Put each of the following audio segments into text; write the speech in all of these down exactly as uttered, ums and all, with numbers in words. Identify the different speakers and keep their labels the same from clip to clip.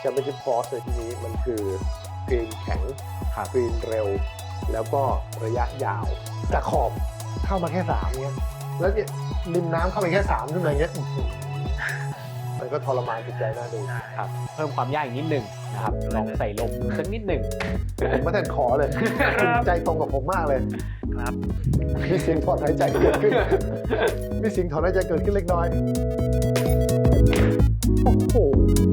Speaker 1: แชมเปี้ยนชิพคอร์สในที่นี้มันคือกรีนแข็งกรีนเร็วแล้วก็ระยะยาวแต่ขอบเข้ามาแค่สามเนี้ยแล้วเนี่ยริมน้ำเข้าไปแค่สามขึ้นมาเงี้ยมันก็ทรมานจิตใจน่าดู
Speaker 2: ครับเพิ่มความยากอีกนิดหนึ่งนะครับลองใส่ลมสักนิดหนึ่ง
Speaker 1: ผมไม่แต่ขอเลยใจตรงกับผมมากเลย
Speaker 3: ครับ
Speaker 1: มีเสียงถอนหายใจเกิดขึ้นมีเสียงถอนหายใจเกิดขึ้นเล็กน้อยโอ้โห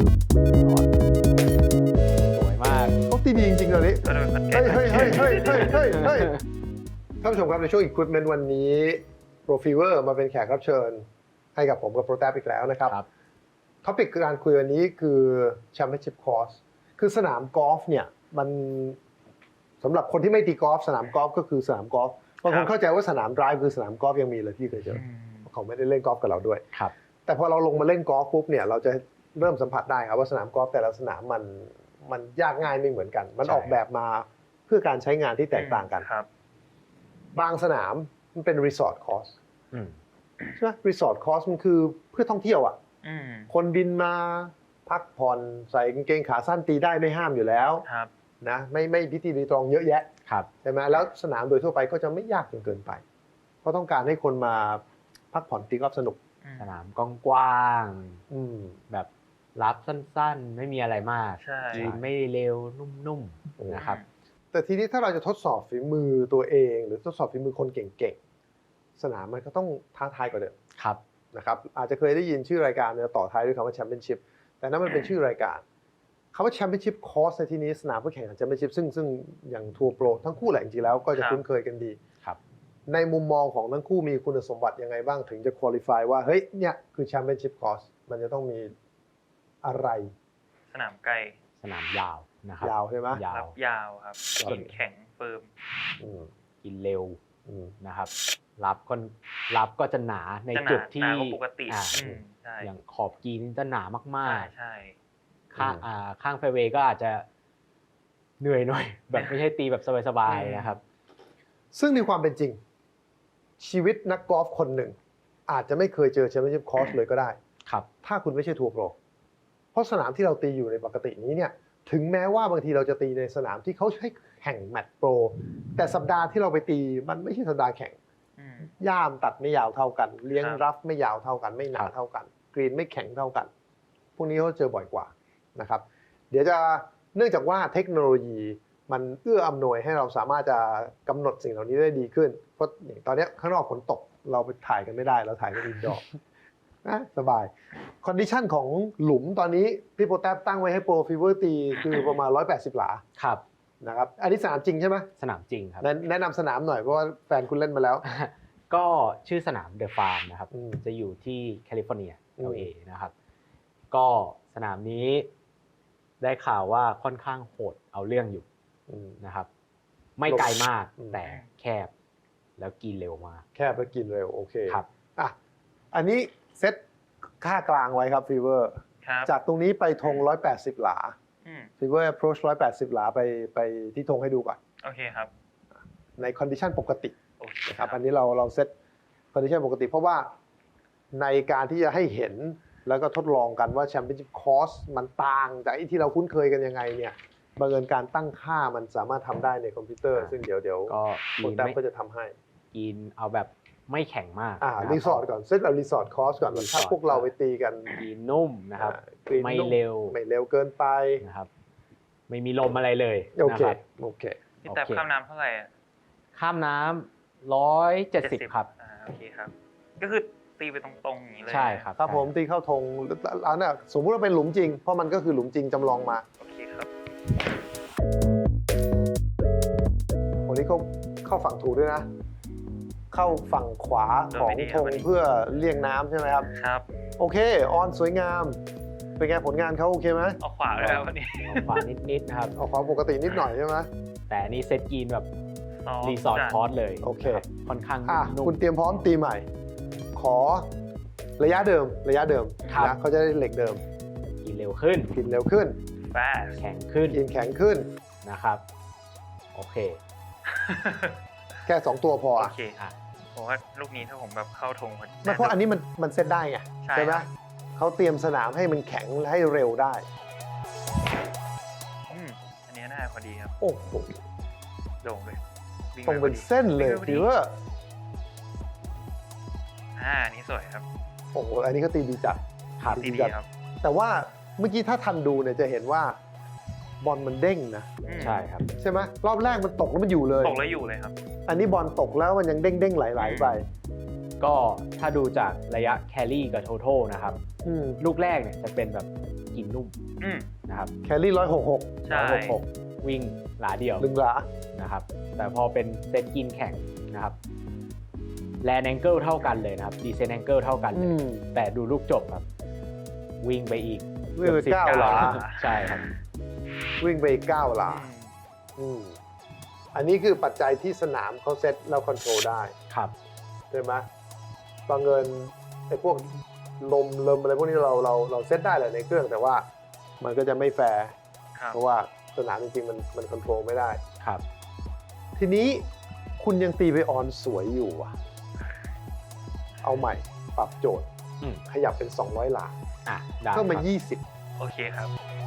Speaker 2: สวยมาก
Speaker 1: เขาตีดีจริงๆเลยนี่
Speaker 3: ก็โดนพัด
Speaker 1: เฮ้ยเฮ้ยเฮ้ยเฮ้ยเฮ้ยเฮ้ยเฮ้ยท่านผู้ชมครับในช่วง Equipment วันนี้ Pro Fever มาเป็นแขกรับเชิญให้กับผมกับ Pro Tab อีกแล้วนะครับท็อปิกการคุยวันนี้คือ Championship Course คือสนามกอล์ฟเนี่ยมันสำหรับคนที่ไม่ตีกอล์ฟสนามกอล์ฟก็คือสนามกอล์ฟบางคนเข้าใจว่าสนามไดรฟ์คือสนามกอล์ฟยังมีเลยพี่เคยเจอเขาไม่ได้เล่นกอล์ฟกับเราด้วยแต่พอเราลงมาเล่นกอล์ฟปุ๊บเนี่ยเราจะเริ่มสัมผัสได้ครับว่าสนามกอล์ฟแต่ละสนามมันมันยากง่ายไม่เหมือนกันมันออกแบบมาเพื่อการใช้งานที่แตกต่างกันบางสนามมันเป็นรีสอร์ทคอร์สใช่ไหมรีสอร์ทคอร์สมันคือเพื่อท่องเที่ยวอ่ะคนบินมาพักผ่อนใส่กางเกงขาสั้นตีได้ไม่ห้ามอยู่แล้วนะไม่ไม่พิธีรีตรองเยอะแยะใช่ไหมแล้วสนามโดยทั่วไปก็จะไม่ยากจนเกินไปเพราะต้องการให้คนมาพักผ่อนตีกอล์ฟสนุก
Speaker 2: สนามกว้างๆแบบรับสั้นๆไม่มีอะไรมากยืนไม่เร็วนุ่มๆนะครับ
Speaker 1: แต่ทีนี้ถ้าเราจะทดสอบฝีมือตัวเองหรือทดสอบฝีมือคนเก่งๆสนามมันก็ต้องท้าทายกว่าเดิม
Speaker 2: ครับ
Speaker 1: นะครับอาจจะเคยได้ยินชื่อรายการเนี่ยต่อท้ายด้วยคำว่าแชมเปี้ยนชิพแต่นั่นมันเป็นชื่อรายการคำว่าแชมเปี้ยนชิพคอร์สในที่นี้สนามเพื่อแข่งขันแชมเปี้ยนชิพซึ่งซึ่งอย่างทัวร์โปรทั้งคู่แหละจริงๆแล้วก็จะคุ้นเคยกันดีในมุมมองของทั้งคู่มีคุณสมบัติยังไงบ้างถึงจะคุริฟายว่าเฮ้ยเนี่ยคือแชมเปี้ยนชิพคอร์สมันจะต้องมีอะไร
Speaker 3: สนามไกล
Speaker 2: สนามยาวนะครับ
Speaker 1: ยาวใช่ไหม
Speaker 3: ยาวยาวครับกินแข็งเฟิร์ม
Speaker 2: กินเร็วนะครับรับก็รับก็จะหนาในจุดที่
Speaker 3: ปกติ
Speaker 2: อย่างขอบกรีนจะหนามาก
Speaker 3: ๆใช่
Speaker 2: ข้างข้างแฟร์เวย์ก็อาจจะเหนื่อยหน่อยแบบไม่ใช่ตีแบบสบายๆนะครับ
Speaker 1: ซึ่งในความเป็นจริงชีวิตนักกอล์ฟคนหนึ่งอาจจะไม่เคยเจอแชมเปี้ยนชิพคอร์สเลยก็ได้
Speaker 2: ครับ
Speaker 1: ถ้าคุณไม่ใช่ทัวร์โปรเพราะสนามที่เราตีอยู่ในปกตินี้เนี่ยถึงแม้ว่าบางทีเราจะตีในสนามที่เขาใช้แข่งแมตช์โปรแต่สัปดาห์ที่เราไปตีมันไม่ใช่สัปดาห์แข่งย่ามตัดไม่ยาวเท่ากันเลี้ยงรัฟไม่ยาวเท่ากันไม่หนาเท่ากันกรีนไม่แข็งเท่ากันพวกนี้เขาเจอบ่อยกว่านะครับเดี๋ยวจะเนื่องจากว่าเทคโนโลยีมันเอื้ออำนวยให้เราสามารถจะกำหนดสิ่งเหล่านี้ได้ดีขึ้นเพราะตอนนี้ข้างนอกฝนตกเราไปถ่ายกันไม่ได้เราถ่ายกันอินดอร์นะสบายคอนดิชันของหลุมตอนนี้พี่โปรแทบตั้งไว้ให้โปรฟีเวอร์ตีคือประมาณหนึ่งร้อยแปดสิบหลา
Speaker 2: ครับ
Speaker 1: นะครับอันนี้สนามจริงใช่ไหม
Speaker 2: สนามจริงครับ
Speaker 1: แนะนำสนามหน่อยเพราะว่าแฟนคุณเล่นมาแล้ว
Speaker 2: ก็ชื่อสนามเดอะฟาร์มนะครับจะอยู่ที่แคลิฟอร์เนีย แอล เอ นะครับก็สนามนี้ได้ข่าวว่าค่อนข้างโหดเอาเรื่องอยู่นะครับไม่ไกลมากแต่แคบแล้วกินเร็วมาก
Speaker 1: แคบแล้วกินเร็วโอเค
Speaker 2: ครับ
Speaker 1: อ่ะอันนี้เซตค่ากลางไว้ครับฟีเวอร์จากตรงนี้ไปธงหนึ่งร้อยแปดสิบหลาฟีเวอร์ approach หนึ่งร้อยแปดสิบหลาไปไปที่ธงให้ดูก่อน
Speaker 3: โอเคครับ
Speaker 1: ในคอนดิชันปกตินะครับอันนี้เราเราเซตคอนดิชันปกติเพราะว่าในการที่จะให้เห็นแล้วก็ทดลองกันว่าแชมเปี้ยนชิพคอร์สมันต่างจากที่เราคุ้นเคยกันยังไงเนี่ยบังเอิญการตั้งค่ามันสามารถทำได้ในคอมพิวเตอร์ซึ่งเดี๋ยวเดี๋ยวโปรแกรมก็จะทำให้
Speaker 2: กินเอาแบบไม่แข็งมาก
Speaker 1: อ่ารีสอร์ทก่อนเซตเอารีสอร์ทคอร์สก่อนถ้าพวกเราไปตีกัน
Speaker 2: กินนุ่มนะครับไม่เร็ว
Speaker 1: ไม่เร็วเกินไป
Speaker 2: นะครับไม่มีลมอะไรเลย
Speaker 1: โอเคโอเค
Speaker 3: พี่แต่ข้ามน้ำเท่าไหร่
Speaker 2: ข้ามน้ำร้อยเจ็ดสิบครับ
Speaker 3: อ่าโอเคครับก็คือตีไปตรงๆอย่างนี้เลย
Speaker 2: ใช่ครับ
Speaker 1: ถ้าผมตีเข้าธงอันน่ะสมมุติว่าเป็นหลุมจริงเพราะมันก็คือหลุมจริงจำลองมา
Speaker 3: โอเคครับ
Speaker 1: วันนี้เขาเข้าฝั่งถูกด้วยนะเข้าฝั่งขวาของธงเพื่อเลี่ยงน้ำใช่ไหมครับ
Speaker 3: ครับ
Speaker 1: โอเคออนสวยงามเป็นไงผลงานเขาโอเคไหม
Speaker 3: ออกขวาแล้ววันนี้
Speaker 2: ออกขวานิดๆนะครับ
Speaker 1: ออกขวาปกตินิดหน่อยใช่ไหม
Speaker 2: แต่นี่เซตกีนแบบรีสอร์ทคอร์สเลย
Speaker 1: โอเค
Speaker 2: ค่อนข้าง
Speaker 1: นุ่มคุณเตรียมพร้อมตีใหม่ขอระยะเดิมระยะเดิมนะเขาจะได้เหล็กเดิม
Speaker 2: กินเร็วขึ้น
Speaker 1: กินเร็วขึ้น
Speaker 2: แข็งขึ้น
Speaker 1: กินแข็งขึ้น
Speaker 2: นะครับโอเค
Speaker 1: แค่สองตัวพอ
Speaker 3: โอเคผมว่าลูกนี้ถ้าผมแบบเข้าธงมัน
Speaker 1: เพราะอันนี้มันมันเซตได้ไงใช่ไหมเขาเตรียมสนามให้มันแข็งและให้เร็วได้
Speaker 3: ไม่ได้พอดีครับ
Speaker 1: โอ้โห
Speaker 3: โด่งเลยวิ่
Speaker 1: ตรงเป็น
Speaker 3: ไพอดี
Speaker 1: เส้นเลย
Speaker 3: วิ่งไปพอดี
Speaker 1: ฟีเวอร์
Speaker 3: อ่าอันนี้สวยครับ
Speaker 1: โอ้โหอันนี้ก็ตีดีจัด
Speaker 2: ครับ
Speaker 3: ดีดีครับ
Speaker 1: แต่ว่าเมื่อกี้ถ้าทันดูเนี่ยจะเห็นว่าบอลมันเด้งนะ
Speaker 3: อืม
Speaker 2: ใช่ครับ
Speaker 1: ใช่ไหมรอบแรกมันตกแล้วมันอยู่เลย
Speaker 3: ตกแล้วอยู่เลยครับ
Speaker 1: อันนี้บอลตกแล้วมันยังเด้งเด้งๆไหลๆไป
Speaker 2: ก็ถ้าดูจากระยะแครี่กับโท a l นะครับ
Speaker 1: อืม
Speaker 2: ลูกแรกเนี่ยจะเป็นแบบกินนุ่ม
Speaker 3: อืม
Speaker 2: นะครับ
Speaker 1: แครี่ร้อยหกหก
Speaker 3: ใช่
Speaker 2: หนึ่งหกวิ่งหลาเดียว
Speaker 1: ลึงหลา
Speaker 2: นะครับ แต่พอเป็นเซตกินแข่งนะครับแลนแองเกิลเท่ากันเลยนะครับดีเซนแองเกิลเท่ากันเล
Speaker 1: อื
Speaker 2: ย
Speaker 1: ม
Speaker 2: แต่ดูลูกจบครับ วิ่งไปอีก
Speaker 1: วิ่งไป
Speaker 2: กือบ
Speaker 1: เก้า
Speaker 2: สิบ
Speaker 1: หลา
Speaker 2: ใช่ครับ
Speaker 1: วิ่งไปเก้าหลา
Speaker 3: อืม
Speaker 1: อืมอันนี้คือปัจจัยที่สนามเขาเซตแล้วคอนโทรลได้
Speaker 2: ครับ
Speaker 1: ใช่ไหมบางเงินไอ้พวกลมลมอะไรพวกนี้เราเราเราเซตได้แหละในเครื่องแต่ว่ามันก็จะไม่แฟร์
Speaker 3: ครับ
Speaker 1: เพราะว่าสนามจริงๆมันมันคอนโทรลไม่ได้
Speaker 2: ครับ
Speaker 1: ทีนี้คุณยังตีไปออนสวยอยู่อ่ะ เอาใหม่ปรับโจทย์
Speaker 2: อืม
Speaker 1: ขยับเป็น สองร้อย หลา
Speaker 2: อ่ะได้
Speaker 1: เพิ่มมา
Speaker 2: ครับ
Speaker 1: ยี่สิบ
Speaker 3: โอเคครับ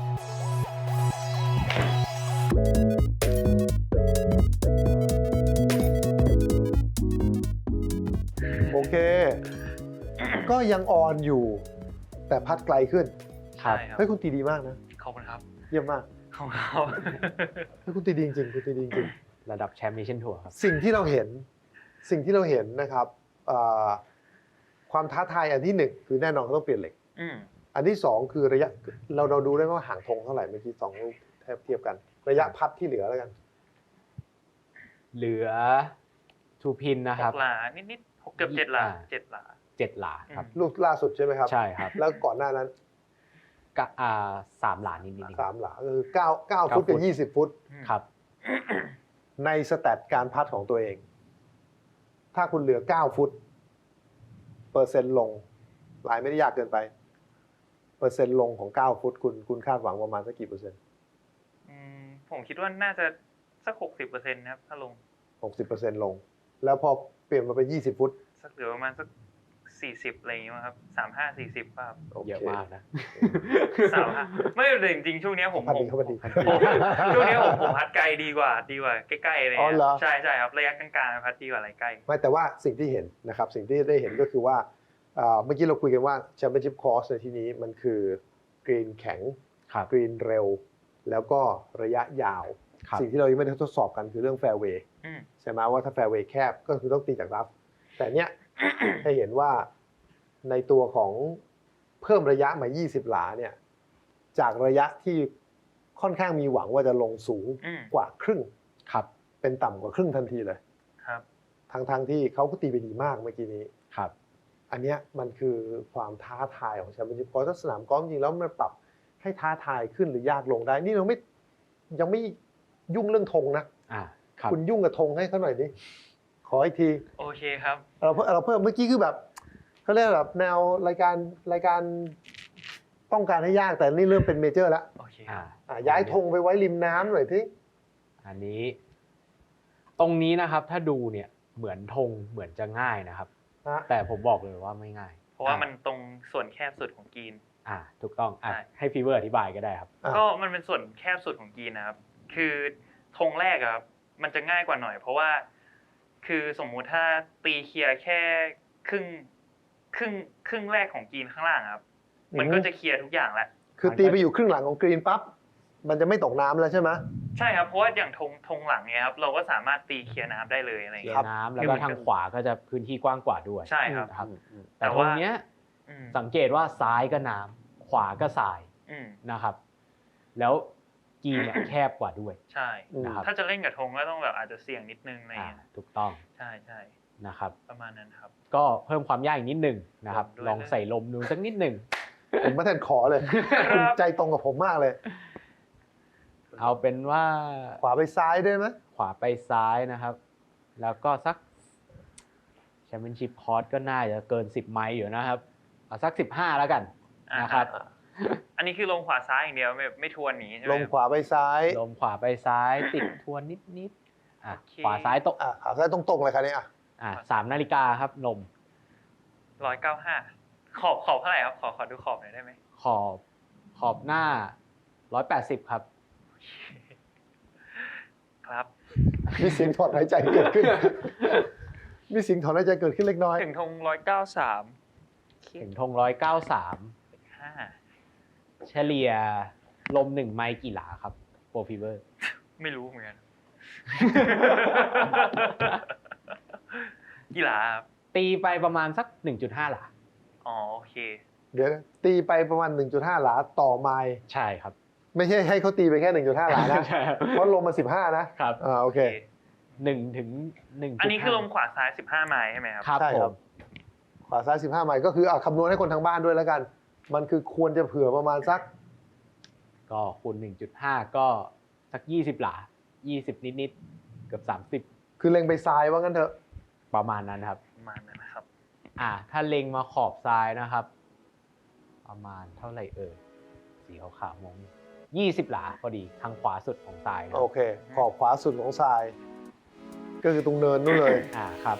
Speaker 1: โอเค ก็ยังออนอยู่ แต่พัดไกลขึ้น
Speaker 2: ครับ
Speaker 3: ใช่ครับ
Speaker 1: เฮ้ยคุณตีดีมากนะ
Speaker 3: ขอบคุณครับ
Speaker 1: เยี่ยมมาก
Speaker 3: ขอบคุณครับ
Speaker 1: เฮ้ยคุณตีดีจริงๆคุณตีดีจริง
Speaker 2: ระดับแชมป์เนชั่นทัวร์ครับ
Speaker 1: ๆสิ่งที่เราเห็นสิ่งที่เราเห็นนะครับเอ่อความท้าทายอันที่หนึ่งคือแน่นอนเขาต้องเปลี่ยนเหล็ก
Speaker 3: อืม
Speaker 1: อันที่สองคือระยะเราเราดูได้ว่าห่างธงเท่าไหร่เมื่อกี้สองลูกแทบเทียบกัน ระยะพัดที่เหลือแล้วกัน
Speaker 2: เหลือทูพินนะ
Speaker 3: ห
Speaker 2: ครับ
Speaker 3: กหลานิดนิดๆหกเกือบเจ็ดหลา
Speaker 2: อ่า
Speaker 3: เจ็ดหลา
Speaker 2: เจ็ดหลาครับ
Speaker 1: ลูกล่าสุดใช่ไหมครับ
Speaker 2: ใช่ครับ
Speaker 1: แล้วก่อนหน้านั้น
Speaker 2: กะอ่าสามหลานิดนิด
Speaker 1: สามหลาก็คือเก้าเก้า
Speaker 2: เก้า
Speaker 1: ฟุตกับ
Speaker 2: ฟุต
Speaker 1: ยี่สิบฟุต
Speaker 3: อืม
Speaker 2: ครับ
Speaker 1: ในสแตทการพัดของตัวเอง ถ้าคุณเหลือเก้าฟุต เปอร์เซ็นต์ลงลายไม่ได้ยากเกินไป เปอร์เซ็นต์ลงของเก้าฟุตคุณคุณคาดหวังประมาณสักกี่เปอร์เซ็นต์
Speaker 3: อืมผมคิดว่าน่าจะสักหกสิบเปอร์เซ็นต์นะครับ ถ้าลง
Speaker 1: หกสิบเปอร์เซ็นต์ลง แล้วพอเปลี่ยนมาเป็นยี่สิบฟุต
Speaker 3: สักเหลือประมาณสักสี่สิบอะไรอย่างเงี้ยมั้งครับสามห้าสี่สิบป่ะครับ
Speaker 1: โอเค
Speaker 2: เยอะมากนะ
Speaker 3: สามห้าไม่แต่จริงๆช่วงเนี้ยผม
Speaker 1: พัด
Speaker 3: ผ
Speaker 1: ดี
Speaker 3: ม
Speaker 1: เขาพัดดี
Speaker 3: ผมช่วงเนี้ยผมผมพัดไกลดีกว่า ดีกว่าใกล้ๆอะไร
Speaker 1: อ๋อ
Speaker 3: เงี้ย
Speaker 1: เหรอ
Speaker 3: ใช่ใช่ครับระยะกลางๆพัดดีกว่าอะไรใกล้
Speaker 1: ไม่แต่ว่าสิ่งที่เห็นนะครับสิ่งที่ได้เห็นก็คือว่าเอ่อเมื่อกี้เราคุยกันว่าแชมเปี้ยนชิพคอร์สในที่นี้มันคือกรีนแข็ง
Speaker 2: ครับ
Speaker 1: กรีนเร็ว แล้วก็ระยะยาว
Speaker 2: ครับ
Speaker 1: สิ่งที่เรายังไม่ได้ทดสอบกันคือเรื่องแฟร์เวย์
Speaker 3: อืม
Speaker 1: ใช่ไหมว่าถ้าแฟร์เวย์แคบก็คือต้องตีจากรัฟแต่เนี้ย ให้เห็นว่าในตัวของเพิ่มระยะมายี่สิบหลาเนี่ยจากระยะที่ค่อนข้างมีหวังว่าจะลงสูง
Speaker 3: อืม
Speaker 1: กว่าครึ่ง
Speaker 2: ครับ
Speaker 1: เป็นต่ำกว่าครึ่งทันทีเลย
Speaker 3: ครับ
Speaker 1: ทั้งทงๆที่เขาก็ตีไปดีมากเมื่อกี้นี้
Speaker 2: ครับ
Speaker 1: อันเนี้ยมันคือความท้าทายของแชมเปี้ยนชิพกอล์ฟถ้าสนามกอล์ฟจริงๆแล้วมันปรับให้ท้าทายขึ้นหรือยากลงได้ นี่เราไม่ยังไม่ยุ่งเรื่องธงนะ
Speaker 2: อ่าครับ
Speaker 1: คุณยุ่งกับธงให้เขาหน่อยดิขออีกที
Speaker 3: โอเคครับ
Speaker 1: เราเพิ่มเราเพิ่มเมื่อกี้คือแบบเขาเรียกแบบแนวรายการรายการต้องการให้ยากแต่นี่เริ่มเป็นเมเจอร์แล้ว
Speaker 3: โอเคค
Speaker 2: อ่า
Speaker 3: รับ
Speaker 1: อ่ะย้ายธงไปไว้ริมน้ำหน่อยที
Speaker 2: อันนี้ ตรงนี้นะครับ ถ้าดูเนี่ยเหมือนธงเหมือนจะง่ายนะครับ
Speaker 1: นะ
Speaker 2: แต่ผมบอกเลยว่าไม่ง่าย
Speaker 3: เพราะว่า
Speaker 2: อ่
Speaker 3: มันตรงส่วนแคบสุดของกรีน
Speaker 2: อ่า ถูกต้องอ่ะ
Speaker 3: ใช่
Speaker 2: ให้ฟีเวอร์อธิบายก็ได้ครับ
Speaker 1: อ่ะ
Speaker 3: ก็มันเป็นส่วนแคบสุดของกรีนนะครับ คือธงแรกอะครับ มันจะง่ายกว่าหน่อย เพราะว่า คือสมมุติถ้าตีเคลียร์แค่ครึ่งครึ่งครึ่งแรกของกรีนข้างล่างครับ มันก็จะเคลียร์ทุกอย่างแล้ว
Speaker 1: คือตีไปอยู่ครึ่งหลังของกรีนปั๊บมันจะไม่ตกน้ำแล้วใช่ไหม
Speaker 3: ใช่ครับ เพราะว่าอย่างธงธงหลังเนี่ยครับ เราก็สามารถตีเคลียร์น้ำได้เลยอะไรอย่าง
Speaker 2: เขีย
Speaker 3: เงี้ย
Speaker 2: น้ำแล้วก็ทางขวาก็จะพื้นที่กว้างกว่าด้วย
Speaker 3: ใช่ครับ
Speaker 2: นะครับ
Speaker 1: อืมอืม
Speaker 2: แต่
Speaker 3: แต่
Speaker 2: ตร
Speaker 3: ว่า
Speaker 2: งเนี้ย
Speaker 3: อืม
Speaker 2: สังเกตว่าซ้ายก็น้ำขวาก็ทราย
Speaker 3: อืม
Speaker 2: นะครับ แล้วกีเนี่ยแคบกว่าด้วย
Speaker 3: ใช่
Speaker 1: อืม
Speaker 2: นะครับ
Speaker 3: ถ้าจะเล่นกับธงก็ต้องแบบอาจจะเสี่ยงนิดนึงอะไรอย่าง
Speaker 2: อ่า
Speaker 3: เงี้ย
Speaker 2: ถูกต้อง
Speaker 3: ใช่ใช่
Speaker 2: นะครับ
Speaker 3: ประมาณนั้นครับ
Speaker 2: ก็เพิ่มความยากอีกนิดหนึ่งนะครับ
Speaker 3: ด้วย
Speaker 2: ลองใส่ลมดูสักนิดหนึ่ง
Speaker 1: ผมไม่ทันขอเลย
Speaker 3: ครับ
Speaker 1: คุณใจตรงกับผมมากเลย
Speaker 2: เอาเป็นว่า
Speaker 1: ขวาไปซ้ายได้ไหม
Speaker 2: ขวาไปซ้ายนะครับ แล้วก็สักแชมเปี้ยนชิพคอร์สก็น่าจะเกินสิบไมล์อยู่นะครับเอาสักสิบห้าแล้วกัน
Speaker 3: อ่า
Speaker 2: นะครับ
Speaker 3: อันนี้คือลงขวาซ้ายอย่างเดียวไม่ไม่ทวนหนีใช่ไหม
Speaker 1: ลงขวาไปซ้าย
Speaker 2: ลมขวาไปซ้ายติดทวนนิดๆอ่ะ
Speaker 3: โอเค
Speaker 2: ขวาซ้ายตก
Speaker 1: อ่ะขาซ้ายตรงๆเลยครับเนี่ยอ่ะ
Speaker 2: อ่ะสามนาฬิกาครับลม
Speaker 3: ร้อยเก้าห้าขอบขอบเท่าไหร่ครับขอขอดูขอบหน่อยได้ไหม
Speaker 2: ขอบขอบหน้าร้อยแปดสิบครับ
Speaker 3: ครับ
Speaker 1: มีเสียงถอนหายใจเกิดขึ้น มีเสียงถอนหายใจเกิดขึ้นเล็กน้อย
Speaker 3: ถึงธงร้อยเก้าสาม
Speaker 2: ถึงธงร้อยเก้าสาม
Speaker 3: ห้า
Speaker 2: เฉลี่ยลมหนึ่งไมล์กี่หลาครับโปรฟีเวอร์
Speaker 3: ไม่รู้เหมือนกัน กี่หลาครับ
Speaker 2: ตีไปประมาณสัก หนึ่งจุดห้า หลา
Speaker 3: อ๋อโอเค
Speaker 1: เดี๋ยวนะตีไปประมาณ หนึ่งจุดห้า หลาต่อไมล์
Speaker 2: ใช่ครับ
Speaker 1: ไม่ใช่ให้เขาตีไปแค่ หนึ่งจุดห้า หลานะ
Speaker 2: ใช่ครับ
Speaker 1: เพราะลมมันสิบห้านะครับ อ่าโอเค
Speaker 2: หนึ่งถึงหนึ่ง
Speaker 3: อันนี้คือลมขวาซ้ายสิบห้าไมล์ใช่ไหมครับ
Speaker 2: ครับ
Speaker 1: ใช่
Speaker 2: ผ
Speaker 1: ครับ
Speaker 2: ม
Speaker 1: ขวาซ้ายสิบห้าไมล์ก็คืออ่ะคำนวณให้คนทางบ้านด้วยแล้วกัน มันคือควรจะเผื่อประมาณสัก
Speaker 2: ก็คูณ หนึ่งจุดห้า ก็สัก ยี่สิบ หลา ยี่สิบ นิดๆ เกือบ สามสิบ
Speaker 1: คือเล็งไปซ้ายว่างั้นเถอะ
Speaker 2: ประมาณนั้นครับ
Speaker 3: ประมาณนั้นนะครับ
Speaker 2: อ่า ถ้าเล็งมาขอบซ้ายนะครับ ประมาณเท่าไหร่เอ่ย สีขาวๆมองยี่สิบ หลาพอดี ทางขวาสุดของซ้ายนะ
Speaker 1: โอเค ขอบขวาสุดของทราย ก็คือตรงเนินนู่นเลย
Speaker 2: อ่า ครับ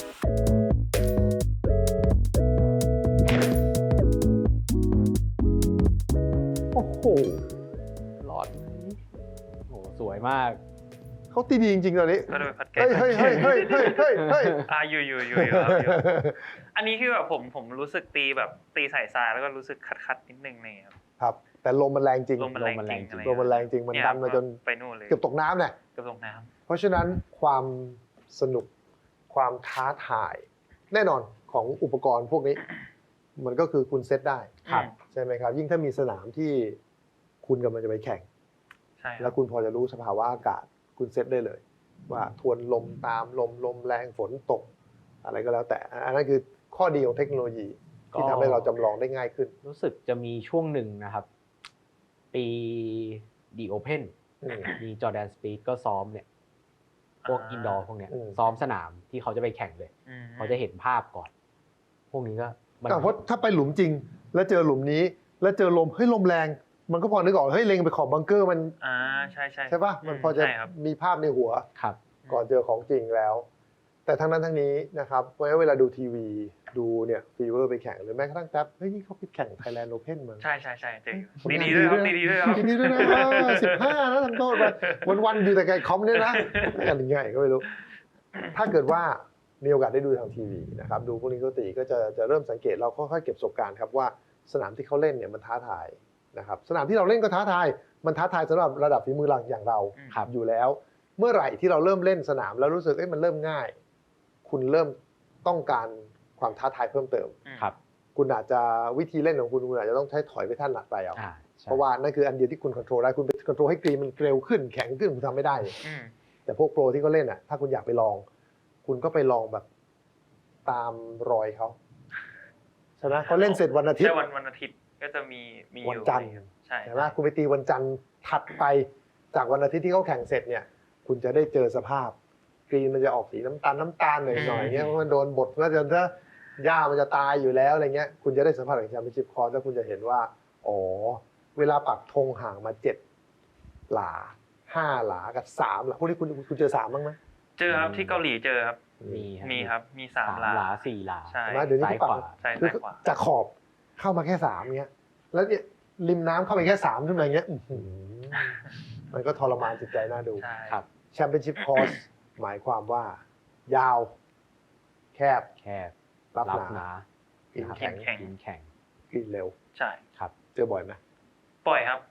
Speaker 1: โอ้โห
Speaker 2: หลอดไหมโอ้โห สวยมาก
Speaker 1: เขาตีดีจริงๆตอนนี้
Speaker 3: ก็โดยพัดแก
Speaker 1: เฮ้ยเฮ้ยเฮ้ยเฮ้ยเฮ้ยเฮ้ยเฮ้ย
Speaker 3: อ่าอยู่อยู่อยู่อยู่ครับอยู่ อันนี้คือแบบผมผมรู้สึกตีแบบตีใส่ทรายแล้วก็รู้สึกคัดคัดๆนิดนึงเนี่ยครับ
Speaker 1: ครับ แต่ลมมันแรงจริง
Speaker 3: ลมมันแรงจริง
Speaker 2: ลมมันแรงจริง
Speaker 3: อะไร
Speaker 1: ลมมันแรงจริง มัน
Speaker 3: เย
Speaker 1: ดันมาจน
Speaker 3: ไปนู่นเลย
Speaker 1: เกือบตกน้ำเนี่ย
Speaker 3: เกือบตกน้
Speaker 1: เพราะฉะนั้นความสนุกความท้าทายแน่นอนของอุปกรณ์พวกนี้ มันก็คือคุณเซตได้
Speaker 3: ำครับ
Speaker 1: ใช่ไหมครับ ยิ่งถ้ามีสนามที่คุณกำลังจะไปแข่ง
Speaker 3: ใช่ค
Speaker 1: แล้
Speaker 3: รั
Speaker 1: ว
Speaker 3: บ
Speaker 1: คุณพอจะรู้สภาวะอากาศคุณเซตได้เลย ว่าทวนลมตามลมลมแรงฝนตก อะไรก็แล้วแต่อันนั้นคือข้อดีของเทคโนโลยี ที่
Speaker 2: ก็
Speaker 1: ทำให้เราจำลองได้ง่ายขึ้น
Speaker 2: รู้สึกจะมีช่วงหนึ่งนะครับ ปี The Open
Speaker 1: อืม
Speaker 2: มีจอร์แดนสปีดก็ซ้อมเนี่ย พวก
Speaker 3: อ่า
Speaker 2: อินดอร์พวกเนี้ย
Speaker 1: อืม
Speaker 2: ซ้อมสนามที่เขาจะไปแข่งเลย
Speaker 3: อืม
Speaker 2: เขาจะเห็นภาพก่อน พวกนี้ก็มัน
Speaker 1: แต่เพราะถ้าไปหลุมจริง แล้วเจอหลุมนี้ แล้วเจอลมเฮ้ยลมแรง มันก็พอนึกออกเฮ้ยเล็งไปขอบบังเกอร์มัน
Speaker 3: อ่าใช่ใช่
Speaker 1: ใช่ป่ะมันพอจะ
Speaker 3: ใช่ครับ
Speaker 1: มีภาพในหัว
Speaker 2: ครับ
Speaker 1: ก่อนเจอของจริงแล้ว แต่ทั้งนั้นทั้งนี้นะครับเพราะฉะนั้นเวลาดูทีวีดูเนี่ยฟีเวอร์ไปแข่งหรือแม้กระทั่งแท็บเฮ้ยนี่เขาไปแข่ง Thailand Open มา
Speaker 3: ใช่ใช่ใช่เจอ
Speaker 1: ผลงาน
Speaker 3: ดีๆด้วยครับ
Speaker 1: ดี
Speaker 3: ดี
Speaker 1: ๆ
Speaker 3: ๆด้วยครับ
Speaker 1: ดีๆด้วยนะสิบห้านะทำโทษไปวันๆอยู่แต่ไกลคอมเนี่ยนะกันยังไงก็ไม่รู้ ถ้าเกิดว่ามีโอกาสได้ดูทางทีวีนะครับดูพวกนี้เขาตีก็จะจะเริ่มสังเกตเราค่อยๆเก็บประสบการณ์ครับว่าสนามที่เขาเล่นเนี่ยมันท้าทายนะครับสนามที่เราเล่นก็ท้าทายมันท้าทายสำหรับระดับฝีมือหลังอย่างเรา
Speaker 2: ครับ
Speaker 1: อยู่แล้ว เมื่อไหร่ที่เราเริ่มเล่นสนามแล้วรู้สึกเอ้ยมันเริ่มง่าย คุณเริ่มต้องการความท้าทายเพิ่มเติม
Speaker 2: ครับ
Speaker 1: คุณอาจจะวิธีเล่นของคุณคุณอาจจะต้องใช้ถอยไปท่านหลักไปเอา
Speaker 2: อ่าใช่
Speaker 1: เพราะว่านั่นคืออันเดียวที่คุณควบคุมได้คุณไปควบคุมให้กรีนมันเร็วขึ้นแข็งขึ้นคุณทำไม่ได้
Speaker 3: อืม
Speaker 1: แต่พวกโปรที่เขาเล่นอ่ะถ้าคุณอยากไปลอง คุณก็ไปลองแบบตามรอยเขาใช่ไหมเขาเล่นเสร็จวันอาทิต
Speaker 3: ใช่
Speaker 1: ย์
Speaker 3: วันวันอาทิตย์ก็จะมีมีอยู่
Speaker 1: วันจันทร์
Speaker 3: ใช่
Speaker 1: ใช่ไหมคุณไปตีวันจันทร์ถัดไปจากวันอาทิตย์ที่เขาแข่งเสร็จเนี่ย คุณจะได้เจอสภาพกรีนมันจะออกสีน้ำตาลน้ำตาลหน่อยหน่อยเงี้ยเพราะมันโดนบดแล้วจนถ้าหญ้ามันจะตายอยู่แล้วอะไรเงี้ยคุณจะได้สัมผัสกับแชมเปี้ยนชิพคอร์สแล้วคุณจะเห็นว่าอ๋อเวลาปักธงห่างมาเจ็ดหลาห้าหลากับสามหลาพวกนี้คุณคุณเจอสามบ้างไหม
Speaker 3: เจอครับที่เกาหลีเจอครับ
Speaker 2: มี
Speaker 3: มีครับมีสาม
Speaker 2: สาม
Speaker 3: หลา
Speaker 2: หลาสี่หลา
Speaker 3: ใช่
Speaker 1: ใช่ไหมเดี๋ยวนี้
Speaker 2: ซ้าย
Speaker 1: เขาปั
Speaker 2: ข
Speaker 1: ก
Speaker 2: วา
Speaker 3: ใช่
Speaker 1: คือ
Speaker 3: ซ้ายขวา
Speaker 1: จากขอบเข้ามาแค่สามเงี้ยแล้วเนี่ยริมน้ำเข้าไปแค่สามขึ้นมาอย่างเงี้ยอื้อหือมันก็ทรมานจิตใจน่าดู
Speaker 3: ใช่
Speaker 2: ครับ
Speaker 1: แชมเปี้ยนชิพคอร์สหมายความว่า ยาว แคบ
Speaker 2: แคบ
Speaker 1: รับ
Speaker 2: รับ
Speaker 1: หนา
Speaker 2: หนา
Speaker 1: กิน
Speaker 2: นะครับ
Speaker 1: แข็ง
Speaker 3: แข็ง
Speaker 2: กินแข็ง
Speaker 1: กินเร็ว
Speaker 3: ใช่
Speaker 2: ครับ
Speaker 1: เจอบ่อยไหม
Speaker 3: ปล่อยครับ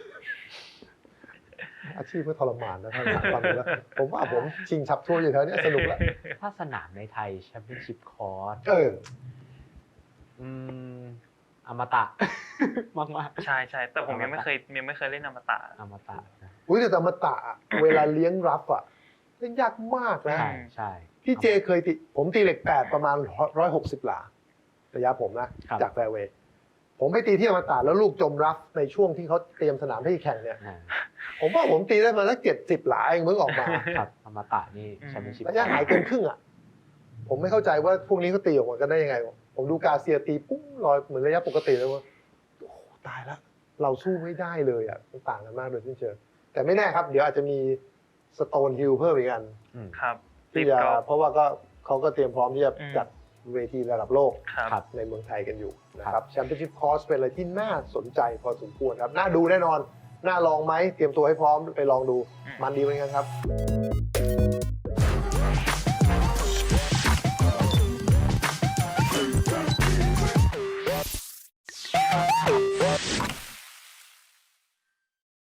Speaker 1: อาชีพก็ทรมานนะท่านฟังดูแล้วผมว่าผมชิงชับทั่วอยู่แถวเนี้ยสนุกแล้ว
Speaker 2: ถ้าสนามในไทยแชมเปี้ยนชิพคอร์ส
Speaker 1: เออ
Speaker 2: อืมอมตะ มากมาก
Speaker 3: ใช่ใช่แต่ผมยังไม่เคยยังไม่เคยเล่นอมตะ
Speaker 2: ๆอมตะนะ
Speaker 1: อุ้ยแต่ธรรมตะอะเวลาเลี้ยงรับอ่ะเล่นยากมากนะ
Speaker 2: ใช่ใช่
Speaker 1: พี่เจเคยติผมตีเหล็กแปดประมาณร้อยหกสิบหลาระยะผมนะ
Speaker 2: ครับ
Speaker 1: จากแฟร์เวย์ผมไปตีที่อมตะแล้วลูกจมรัฟในช่วงที่เขาเตรียมสนามให้แข่งเนี่ย
Speaker 2: อ่า
Speaker 1: ผมว่าผมตีได้มาสักเจ็ดสิบหลาเองมึงออกมา
Speaker 2: ครับอมตะนี่แชมเปี้ยนชิพ
Speaker 1: ระยะหายเกินครึ่งอ่ะ ผมไม่เข้าใจว่าพวกนี้เขาตีออกมากันได้ยังไง ผมดูกาเซียตีปุ้งลอยเหมือนระยะปกติเลยว่าโอ้โหตายแล้วเราสู้ไม่ได้เลยอ่ะมันต่างกันมากโดยสิ้นเชิงแต่ไม่แน่ครับ เดี๋ยวอาจจะมีสโตนฮิลเพิ่มอีกอัน
Speaker 2: อืม
Speaker 3: ครับ
Speaker 1: ที่
Speaker 3: ติด
Speaker 1: จะ
Speaker 3: กอล์ฟ
Speaker 1: เพราะว่าก็เขาก็เตรียมพร้อมที่จะ
Speaker 3: อืม
Speaker 1: จัดเวทีระดับโลก
Speaker 3: ครับ
Speaker 2: ครับ
Speaker 1: ในเมืองไทยกันอยู่นะค
Speaker 2: ครั
Speaker 1: รับบ แชมเปี้ยนชิพคอร์สเป็นอะไรที่น่าสนใจพอสมควรครับน่าดูแน่นอนน่าลองไหมเตรียมตัวให้พร้อมไปลองดู
Speaker 3: อืม
Speaker 1: มันดีเหมือนกันครับ